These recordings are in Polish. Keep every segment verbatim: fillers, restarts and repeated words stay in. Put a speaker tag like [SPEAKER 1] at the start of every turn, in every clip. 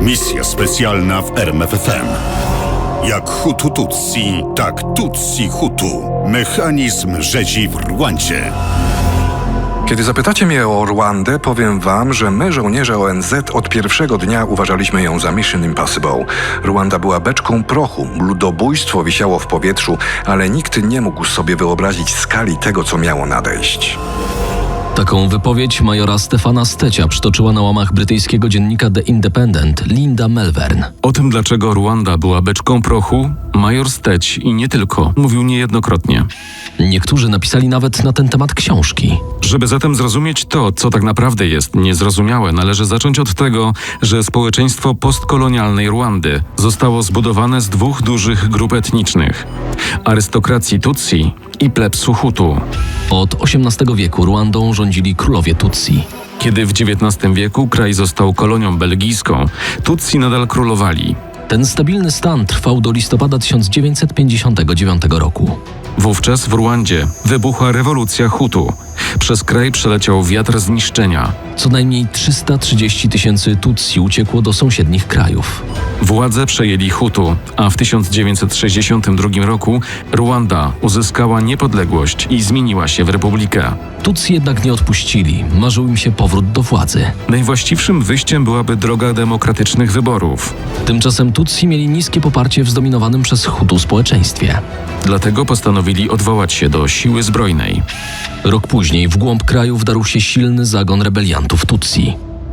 [SPEAKER 1] Misja specjalna w R M F F M. Jak Hutu Tutsi, tak Tutsi Hutu. Mechanizm rzezi w Rwandzie.
[SPEAKER 2] Kiedy zapytacie mnie o Rwandę, powiem wam, że my, żołnierze O N Z, od pierwszego dnia uważaliśmy ją za Mission Impossible. Rwanda była beczką prochu, ludobójstwo wisiało w powietrzu, ale nikt nie mógł sobie wyobrazić skali tego, co miało nadejść.
[SPEAKER 3] Taką wypowiedź majora Stefana Stecia przytoczyła na łamach brytyjskiego dziennika The Independent Linda Melvern.
[SPEAKER 4] O tym, dlaczego Rwanda była beczką prochu, major Steć i nie tylko mówił niejednokrotnie.
[SPEAKER 3] Niektórzy napisali nawet na ten temat książki.
[SPEAKER 4] Żeby zatem zrozumieć to, co tak naprawdę jest niezrozumiałe, należy zacząć od tego, że społeczeństwo postkolonialnej Rwandy zostało zbudowane z dwóch dużych grup etnicznych: arystokracji Tutsi i plebsu Hutu.
[SPEAKER 3] Od osiemnastego wieku Rwandą rządzili królowie Tutsi.
[SPEAKER 4] Kiedy w dziewiętnastym wieku kraj został kolonią belgijską, Tutsi nadal królowali.
[SPEAKER 3] Ten stabilny stan trwał do listopada tysiąc dziewięćset pięćdziesiątego dziewiątego roku.
[SPEAKER 4] Wówczas w Rwandzie wybuchła rewolucja Hutu. Przez kraj przeleciał wiatr zniszczenia.
[SPEAKER 3] Co najmniej trzysta trzydzieści tysięcy Tutsi uciekło do sąsiednich krajów.
[SPEAKER 4] Władzę przejęli Hutu, a w tysiąc dziewięćset sześćdziesiątym drugim roku Rwanda uzyskała niepodległość i zmieniła się w republikę.
[SPEAKER 3] Tutsi jednak nie odpuścili, marzył im się powrót do władzy.
[SPEAKER 4] Najwłaściwszym wyjściem byłaby droga demokratycznych wyborów.
[SPEAKER 3] Tymczasem Tutsi mieli niskie poparcie w zdominowanym przez Hutu społeczeństwie.
[SPEAKER 4] Dlatego postanowili odwołać się do siły zbrojnej.
[SPEAKER 3] Rok później w głąb kraju wdarł się silny zagon rebeliantów Tutsi.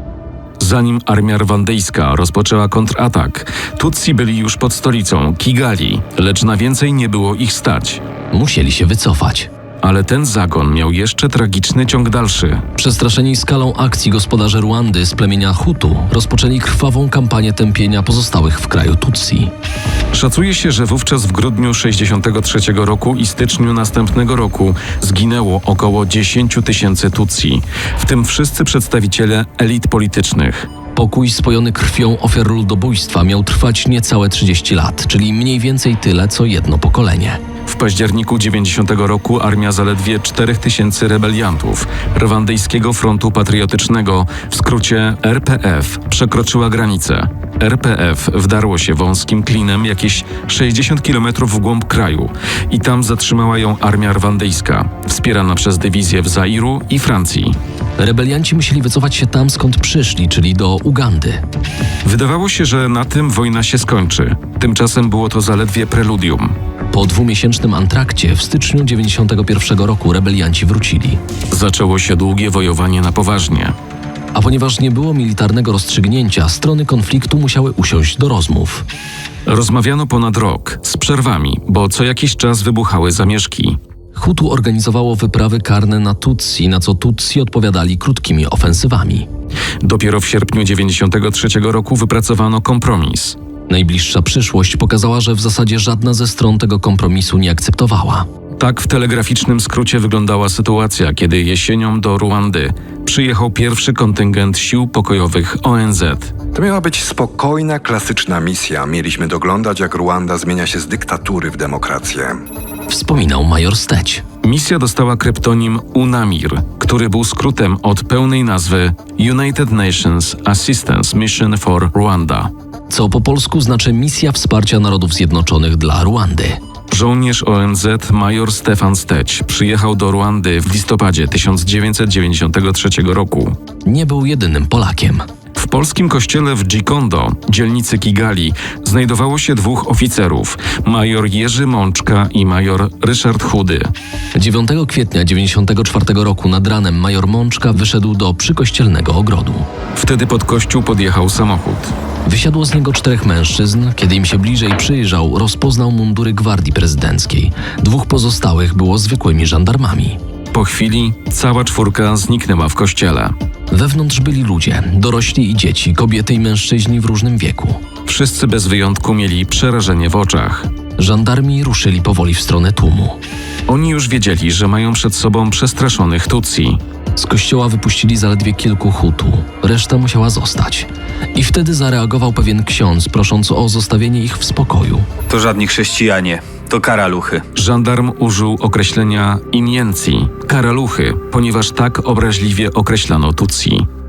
[SPEAKER 4] Zanim armia rwandyjska rozpoczęła kontratak, Tutsi byli już pod stolicą Kigali, lecz na więcej nie było ich stać.
[SPEAKER 3] Musieli się wycofać.
[SPEAKER 4] Ale ten zagon miał jeszcze tragiczny ciąg dalszy.
[SPEAKER 3] Przestraszeni skalą akcji gospodarze Rwandy z plemienia Hutu rozpoczęli krwawą kampanię tępienia pozostałych w kraju Tutsi.
[SPEAKER 4] Szacuje się, że wówczas w grudniu sześćdziesiątego trzeciego roku i styczniu następnego roku zginęło około dziesięć tysięcy Tutsi, w tym wszyscy przedstawiciele elit politycznych.
[SPEAKER 3] Pokój spojony krwią ofiar ludobójstwa miał trwać niecałe trzydzieści lat, czyli mniej więcej tyle, co jedno pokolenie.
[SPEAKER 4] W październiku dziewięćdziesiątego roku armia zaledwie czterech tysięcy rebeliantów Rwandyjskiego Frontu Patriotycznego, w skrócie R P F, przekroczyła granicę. R P F wdarło się wąskim klinem jakieś sześćdziesiąt kilometrów w głąb kraju i tam zatrzymała ją armia rwandyjska, wspierana przez dywizje w Zairu i Francji.
[SPEAKER 3] Rebelianci musieli wycofać się tam, skąd przyszli, czyli do Ugandy.
[SPEAKER 4] Wydawało się, że na tym wojna się skończy. Tymczasem było to zaledwie preludium.
[SPEAKER 3] Po dwumiesięcznym antrakcie w styczniu dziewięćdziesiątego pierwszego roku rebelianci wrócili.
[SPEAKER 4] Zaczęło się długie wojowanie na poważnie.
[SPEAKER 3] A ponieważ nie było militarnego rozstrzygnięcia, strony konfliktu musiały usiąść do rozmów.
[SPEAKER 4] Rozmawiano ponad rok, z przerwami, bo co jakiś czas wybuchały zamieszki.
[SPEAKER 3] Hutu organizowało wyprawy karne na Tutsi, na co Tutsi odpowiadali krótkimi ofensywami.
[SPEAKER 4] Dopiero w sierpniu dziewięćdziesiątego trzeciego roku wypracowano kompromis.
[SPEAKER 3] Najbliższa przyszłość pokazała, że w zasadzie żadna ze stron tego kompromisu nie akceptowała.
[SPEAKER 4] Tak w telegraficznym skrócie wyglądała sytuacja, kiedy jesienią do Rwandy przyjechał pierwszy kontyngent sił pokojowych O N Z.
[SPEAKER 2] To miała być spokojna, klasyczna misja. Mieliśmy doglądać, jak Rwanda zmienia się z dyktatury w demokrację.
[SPEAKER 3] Wspominał major Steć.
[SPEAKER 4] Misja dostała kryptonim UNAMIR, który był skrótem od pełnej nazwy United Nations Assistance Mission for Rwanda,
[SPEAKER 3] Co po polsku znaczy Misja Wsparcia Narodów Zjednoczonych dla Rwandy.
[SPEAKER 4] Żołnierz O N Z major Stefan Steć przyjechał do Rwandy w listopadzie tysiąc dziewięćset dziewięćdziesiątego trzeciego roku.
[SPEAKER 3] Nie był jedynym Polakiem.
[SPEAKER 4] W polskim kościele w Gikondo, dzielnicy Kigali, znajdowało się dwóch oficerów, major Jerzy Mączka i major Ryszard Chudy.
[SPEAKER 3] dziewiątego kwietnia dziewięćdziesiątego czwartego roku nad ranem major Mączka wyszedł do przykościelnego ogrodu.
[SPEAKER 4] Wtedy pod kościół podjechał samochód.
[SPEAKER 3] Wysiadło z niego czterech mężczyzn. Kiedy im się bliżej przyjrzał, rozpoznał mundury gwardii prezydenckiej. Dwóch pozostałych było zwykłymi żandarmami.
[SPEAKER 4] Po chwili cała czwórka zniknęła w kościele.
[SPEAKER 3] Wewnątrz byli ludzie, dorośli i dzieci, kobiety i mężczyźni w różnym wieku.
[SPEAKER 4] Wszyscy bez wyjątku mieli przerażenie w oczach.
[SPEAKER 3] Żandarmi ruszyli powoli w stronę tłumu.
[SPEAKER 4] Oni już wiedzieli, że mają przed sobą przestraszonych Tutsi.
[SPEAKER 3] Z kościoła wypuścili zaledwie kilku Hutu, reszta musiała zostać. I wtedy zareagował pewien ksiądz, prosząc o zostawienie ich w spokoju.
[SPEAKER 5] To żadni chrześcijanie, to karaluchy.
[SPEAKER 4] Żandarm użył określenia iniencji, karaluchy, ponieważ tak obraźliwie określano Tutsi.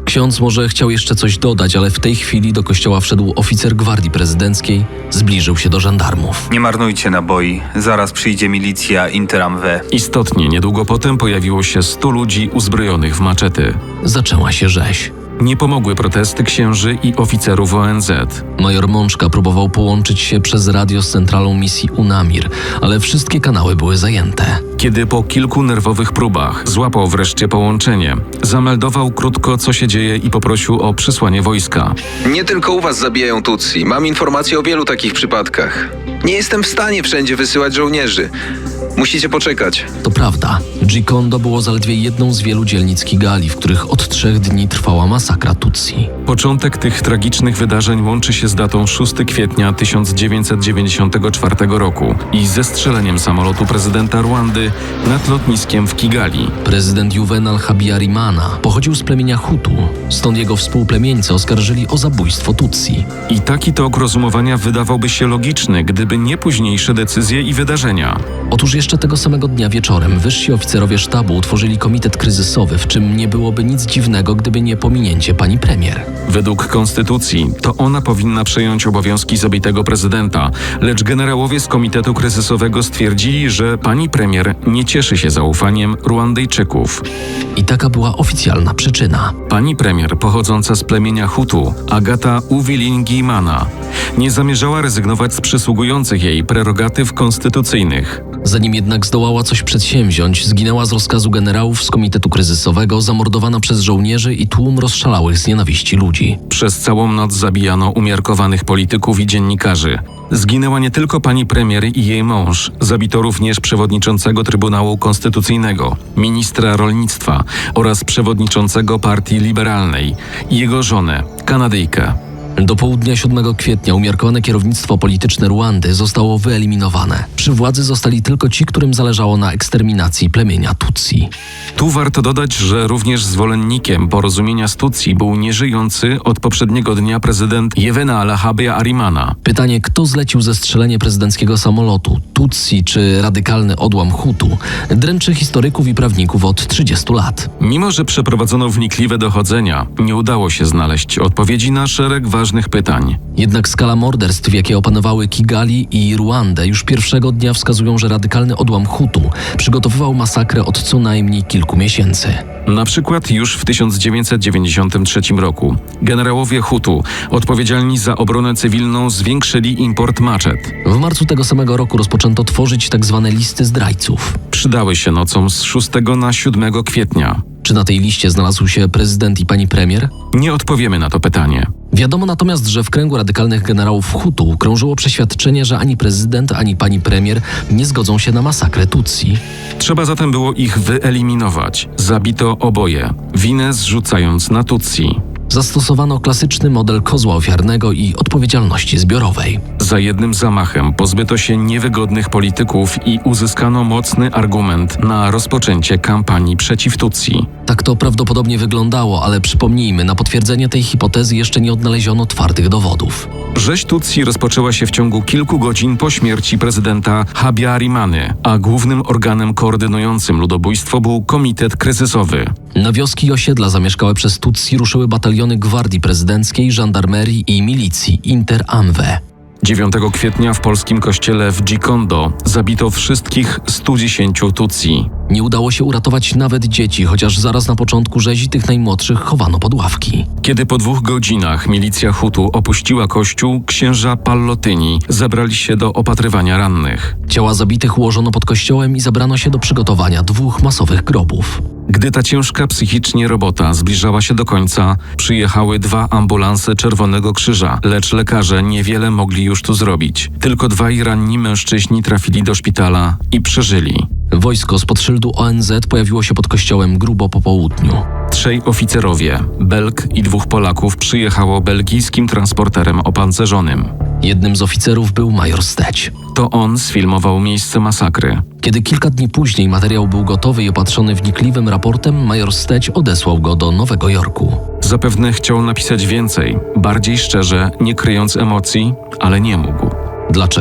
[SPEAKER 3] Ksiądz może chciał jeszcze coś dodać, ale w tej chwili do kościoła wszedł oficer gwardii prezydenckiej, zbliżył się do żandarmów.
[SPEAKER 5] Nie marnujcie naboi. Zaraz przyjdzie milicja Interam V.
[SPEAKER 4] Istotnie, niedługo potem pojawiło się stu ludzi uzbrojonych w maczety.
[SPEAKER 3] Zaczęła się rzeź.
[SPEAKER 4] Nie pomogły protesty księży i oficerów O N Z.
[SPEAKER 3] Major Mączka próbował połączyć się przez radio z centralą misji UNAMIR, ale wszystkie kanały były zajęte.
[SPEAKER 4] Kiedy po kilku nerwowych próbach złapał wreszcie połączenie, zameldował krótko, co się dzieje i poprosił o przysłanie wojska.
[SPEAKER 2] Nie tylko u was zabijają Tutsi. Mam informacje o wielu takich przypadkach. Nie jestem w stanie wszędzie wysyłać żołnierzy. Musicie poczekać.
[SPEAKER 3] To prawda, Gikondo było zaledwie jedną z wielu dzielnic Kigali, w których od trzech dni trwała masakra Tutsi.
[SPEAKER 4] Początek tych tragicznych wydarzeń łączy się z datą szóstego kwietnia tysiąc dziewięćset dziewięćdziesiątego czwartego roku i zestrzeleniem samolotu prezydenta Rwandy nad lotniskiem w Kigali.
[SPEAKER 3] Prezydent Juvenal Habyarimana pochodził z plemienia Hutu, stąd jego współplemieńcy oskarżyli o zabójstwo Tutsi.
[SPEAKER 4] I taki tok rozumowania wydawałby się logiczny, gdyby nie późniejsze decyzje i wydarzenia.
[SPEAKER 3] Otóż jeszcze tego samego dnia wieczorem wyżsi oficerowie sztabu utworzyli komitet kryzysowy, w czym nie byłoby nic dziwnego, gdyby nie pominięcie pani premier.
[SPEAKER 4] Według konstytucji to ona powinna przejąć obowiązki zabitego prezydenta, lecz generałowie z Komitetu Kryzysowego stwierdzili, że pani premier nie cieszy się zaufaniem Ruandyjczyków.
[SPEAKER 3] I taka była oficjalna przyczyna.
[SPEAKER 4] Pani premier pochodząca z plemienia Hutu, Agata Uwilingiyimana, nie zamierzała rezygnować z przysługujących jej prerogatyw konstytucyjnych.
[SPEAKER 3] Zanim jednak zdołała coś przedsięwziąć, zginęła z rozkazu generałów z Komitetu Kryzysowego, zamordowana przez żołnierzy i tłum rozszalałych z nienawiści ludzi.
[SPEAKER 4] Przez całą noc zabijano umiarkowanych polityków i dziennikarzy. Zginęła nie tylko pani premier i jej mąż, zabito również przewodniczącego Trybunału Konstytucyjnego, ministra rolnictwa oraz przewodniczącego Partii Liberalnej i jego żonę, Kanadyjkę.
[SPEAKER 3] Do południa siódmego kwietnia umiarkowane kierownictwo polityczne Rwandy zostało wyeliminowane. Przy władzy zostali tylko ci, którym zależało na eksterminacji plemienia Tutsi.
[SPEAKER 4] Tu warto dodać, że również zwolennikiem porozumienia z Tutsi był nieżyjący od poprzedniego dnia prezydent Juvenal Habyarimana.
[SPEAKER 3] Pytanie, kto zlecił zestrzelenie prezydenckiego samolotu, Tutsi czy radykalny odłam Hutu, dręczy historyków i prawników od trzydziestu lat.
[SPEAKER 4] Mimo że przeprowadzono wnikliwe dochodzenia, nie udało się znaleźć odpowiedzi na szereg ważnych pytań.
[SPEAKER 3] Jednak skala morderstw, jakie opanowały Kigali i Ruandę, już pierwszego dnia wskazują, że radykalny odłam Hutu przygotowywał masakrę od co najmniej kilku miesięcy.
[SPEAKER 4] Na przykład już w tysiąc dziewięćset dziewięćdziesiątym trzecim roku generałowie Hutu odpowiedzialni za obronę cywilną zwiększyli import maczet.
[SPEAKER 3] W marcu tego samego roku rozpoczęto tworzyć tzw. listy zdrajców.
[SPEAKER 4] Przydały się nocą z szóstego na siódmego kwietnia.
[SPEAKER 3] Czy na tej liście znalazł się prezydent i pani premier?
[SPEAKER 4] Nie odpowiemy na to pytanie.
[SPEAKER 3] Wiadomo natomiast, że w kręgu radykalnych generałów Hutu krążyło przeświadczenie, że ani prezydent, ani pani premier nie zgodzą się na masakrę Tutsi.
[SPEAKER 4] Trzeba zatem było ich wyeliminować. Zabito oboje, winę zrzucając na Tutsi.
[SPEAKER 3] Zastosowano klasyczny model kozła ofiarnego i odpowiedzialności zbiorowej.
[SPEAKER 4] Za jednym zamachem pozbyto się niewygodnych polityków i uzyskano mocny argument na rozpoczęcie kampanii przeciw Tutsi.
[SPEAKER 3] Tak to prawdopodobnie wyglądało, ale przypomnijmy, na potwierdzenie tej hipotezy jeszcze nie odnaleziono twardych dowodów.
[SPEAKER 4] Rzeź Tutsi rozpoczęła się w ciągu kilku godzin po śmierci prezydenta Habyarimany, a głównym organem koordynującym ludobójstwo był Komitet Kryzysowy.
[SPEAKER 3] Na wioski i osiedla zamieszkałe przez Tutsi ruszyły bataliony gwardii prezydenckiej, żandarmerii i milicji Interam V.
[SPEAKER 4] dziewiątego kwietnia w polskim kościele w Gikondo zabito wszystkich stu dziesięciu Tutsi.
[SPEAKER 3] Nie udało się uratować nawet dzieci, chociaż zaraz na początku rzezi tych najmłodszych chowano pod ławki.
[SPEAKER 4] Kiedy po dwóch godzinach milicja Hutu opuściła kościół, księża Pallotyni zabrali się do opatrywania rannych.
[SPEAKER 3] Ciała zabitych ułożono pod kościołem i zabrano się do przygotowania dwóch masowych grobów.
[SPEAKER 4] Gdy ta ciężka psychicznie robota zbliżała się do końca, przyjechały dwa ambulanse Czerwonego Krzyża, lecz lekarze niewiele mogli już tu zrobić. Tylko dwaj ranni mężczyźni trafili do szpitala i przeżyli.
[SPEAKER 3] Wojsko spod szyldu O N Z pojawiło się pod kościołem grubo po południu.
[SPEAKER 4] Trzej oficerowie, Belg i dwóch Polaków, przyjechało belgijskim transporterem opancerzonym.
[SPEAKER 3] Jednym z oficerów był major Steć.
[SPEAKER 4] To on sfilmował miejsce masakry.
[SPEAKER 3] Kiedy kilka dni później materiał był gotowy i opatrzony wnikliwym raportem, major Steć odesłał go do Nowego Jorku.
[SPEAKER 4] Zapewne chciał napisać więcej, bardziej szczerze, nie kryjąc emocji, ale nie mógł.
[SPEAKER 3] Dlaczego?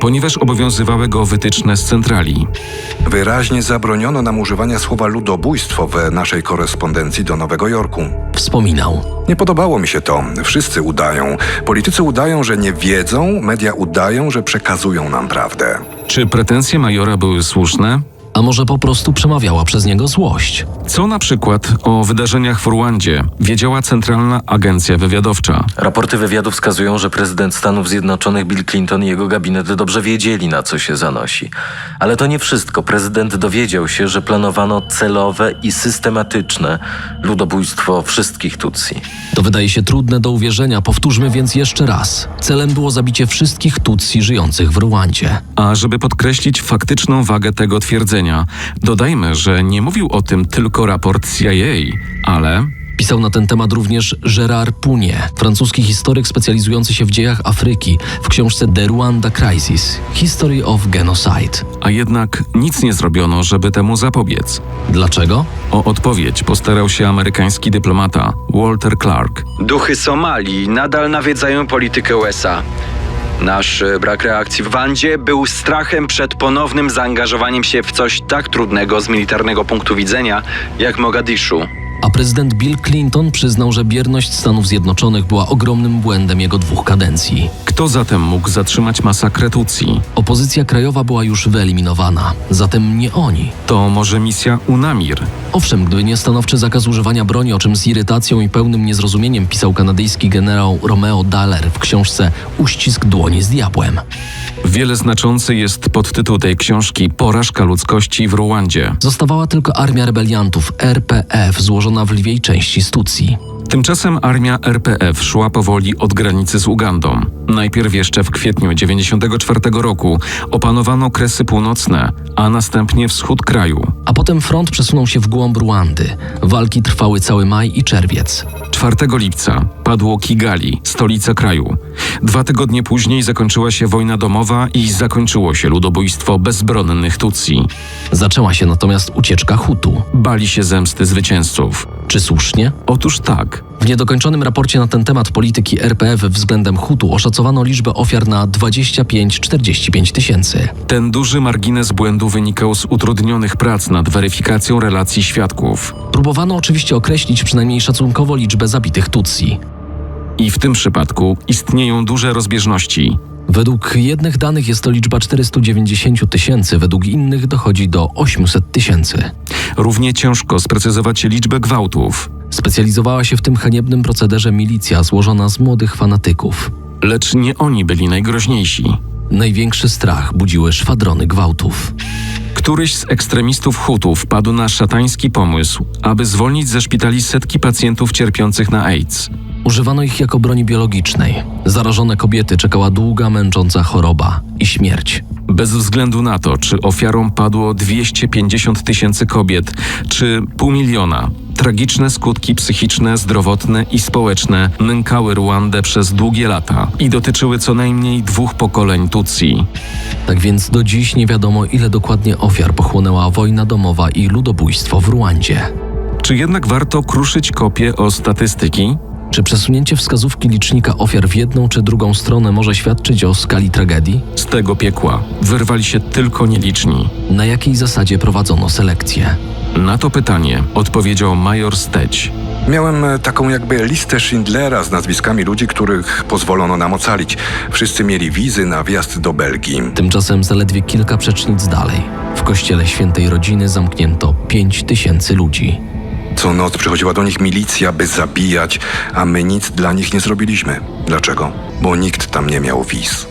[SPEAKER 4] ponieważ obowiązywały go wytyczne z centrali.
[SPEAKER 2] Wyraźnie zabroniono nam używania słowa ludobójstwo w naszej korespondencji do Nowego Jorku.
[SPEAKER 3] Wspominał.
[SPEAKER 2] Nie podobało mi się to. Wszyscy udają. Politycy udają, że nie wiedzą, media udają, że przekazują nam prawdę.
[SPEAKER 4] Czy pretensje majora były słuszne?
[SPEAKER 3] A może po prostu przemawiała przez niego złość?
[SPEAKER 4] Co na przykład o wydarzeniach w Rwandzie wiedziała Centralna Agencja Wywiadowcza?
[SPEAKER 6] Raporty wywiadu wskazują, że prezydent Stanów Zjednoczonych Bill Clinton i jego gabinet dobrze wiedzieli, na co się zanosi. Ale to nie wszystko. Prezydent dowiedział się, że planowano celowe i systematyczne ludobójstwo wszystkich Tutsi.
[SPEAKER 3] To wydaje się trudne do uwierzenia, powtórzmy więc jeszcze raz. Celem było zabicie wszystkich Tutsi żyjących w Rwandzie.
[SPEAKER 4] A żeby podkreślić faktyczną wagę tego twierdzenia, dodajmy, że nie mówił o tym tylko raport C I A, ale...
[SPEAKER 3] Pisał na ten temat również Gérard Pounier, francuski historyk specjalizujący się w dziejach Afryki, w książce The Rwanda Crisis – History of Genocide.
[SPEAKER 4] A jednak nic nie zrobiono, żeby temu zapobiec.
[SPEAKER 3] Dlaczego?
[SPEAKER 4] O odpowiedź postarał się amerykański dyplomata Walter Clark.
[SPEAKER 7] Duchy Somalii nadal nawiedzają politykę U S A. Nasz brak reakcji w Rwandzie był strachem przed ponownym zaangażowaniem się w coś tak trudnego z militarnego punktu widzenia jak Mogadiszu.
[SPEAKER 3] A prezydent Bill Clinton przyznał, że bierność Stanów Zjednoczonych była ogromnym błędem jego dwóch kadencji.
[SPEAKER 4] Kto zatem mógł zatrzymać masakrę Tutsi?
[SPEAKER 3] Opozycja krajowa była już wyeliminowana, zatem nie oni.
[SPEAKER 4] To może misja UNAMIR?
[SPEAKER 3] Owszem, gdyby nie stanowczy zakaz używania broni, o czym z irytacją i pełnym niezrozumieniem pisał kanadyjski generał Romeo Dallaire w książce Uścisk dłoni z diabłem.
[SPEAKER 4] Wiele znaczący jest podtytuł tej książki Porażka ludzkości w Rwandzie.
[SPEAKER 3] Zostawała tylko armia rebeliantów R P F złożona w lwiej części z Tutsi.
[SPEAKER 4] Tymczasem armia R P F szła powoli od granicy z Ugandą. Najpierw jeszcze w kwietniu dziewięćdziesiątego czwartego roku opanowano Kresy Północne, a następnie wschód kraju.
[SPEAKER 3] A potem front przesunął się w głąb Rwandy. Walki trwały cały maj i czerwiec.
[SPEAKER 4] czwartego lipca padło Kigali, stolica kraju. Dwa tygodnie później zakończyła się wojna domowa i zakończyło się ludobójstwo bezbronnych Tutsi.
[SPEAKER 3] Zaczęła się natomiast ucieczka Hutu.
[SPEAKER 4] Bali się zemsty zwycięzców.
[SPEAKER 3] Czy słusznie?
[SPEAKER 4] Otóż tak.
[SPEAKER 3] W niedokończonym raporcie na ten temat polityki R P F względem Hutu oszacowano liczbę ofiar na dwadzieścia pięć do czterdziestu pięciu tysięcy.
[SPEAKER 4] Ten duży margines błędu wynikał z utrudnionych prac nad weryfikacją relacji świadków.
[SPEAKER 3] Próbowano oczywiście określić przynajmniej szacunkowo liczbę zabitych Tutsi.
[SPEAKER 4] I w tym przypadku istnieją duże rozbieżności.
[SPEAKER 3] Według jednych danych jest to liczba czterysta dziewięćdziesiąt tysięcy, według innych dochodzi do osiemset tysięcy.
[SPEAKER 4] Równie ciężko sprecyzować liczbę gwałtów.
[SPEAKER 3] Specjalizowała się w tym haniebnym procederze milicja złożona z młodych fanatyków.
[SPEAKER 4] Lecz nie oni byli najgroźniejsi.
[SPEAKER 3] Największy strach budziły szwadrony gwałtów.
[SPEAKER 4] Któryś z ekstremistów Hutu wpadł na szatański pomysł, aby zwolnić ze szpitali setki pacjentów cierpiących na AIDS.
[SPEAKER 3] Używano ich jako broni biologicznej. Zarażone kobiety czekała długa, męcząca choroba i śmierć.
[SPEAKER 4] Bez względu na to, czy ofiarą padło dwieście pięćdziesiąt tysięcy kobiet, czy pół miliona, tragiczne skutki psychiczne, zdrowotne i społeczne nękały Rwandę przez długie lata i dotyczyły co najmniej dwóch pokoleń Tutsi.
[SPEAKER 3] Tak więc do dziś nie wiadomo, ile dokładnie ofiar pochłonęła wojna domowa i ludobójstwo w Rwandzie.
[SPEAKER 4] Czy jednak warto kruszyć kopie o statystyki?
[SPEAKER 3] Czy przesunięcie wskazówki licznika ofiar w jedną czy drugą stronę może świadczyć o skali tragedii?
[SPEAKER 4] Z tego piekła wyrwali się tylko nieliczni.
[SPEAKER 3] Na jakiej zasadzie prowadzono selekcję?
[SPEAKER 4] Na to pytanie odpowiedział major Steć.
[SPEAKER 2] Miałem e, taką jakby listę Schindlera z nazwiskami ludzi, których pozwolono nam ocalić. Wszyscy mieli wizy na wjazd do Belgii.
[SPEAKER 3] Tymczasem zaledwie kilka przecznic dalej. W kościele Świętej Rodziny zamknięto pięć tysięcy ludzi.
[SPEAKER 2] Co noc przychodziła do nich milicja, by zabijać, a my nic dla nich nie zrobiliśmy. Dlaczego? Bo nikt tam nie miał wiz.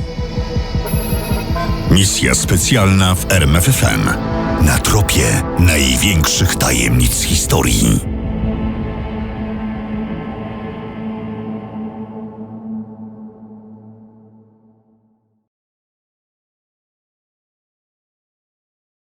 [SPEAKER 1] Misja specjalna w R M F F M. Na tropie największych tajemnic historii.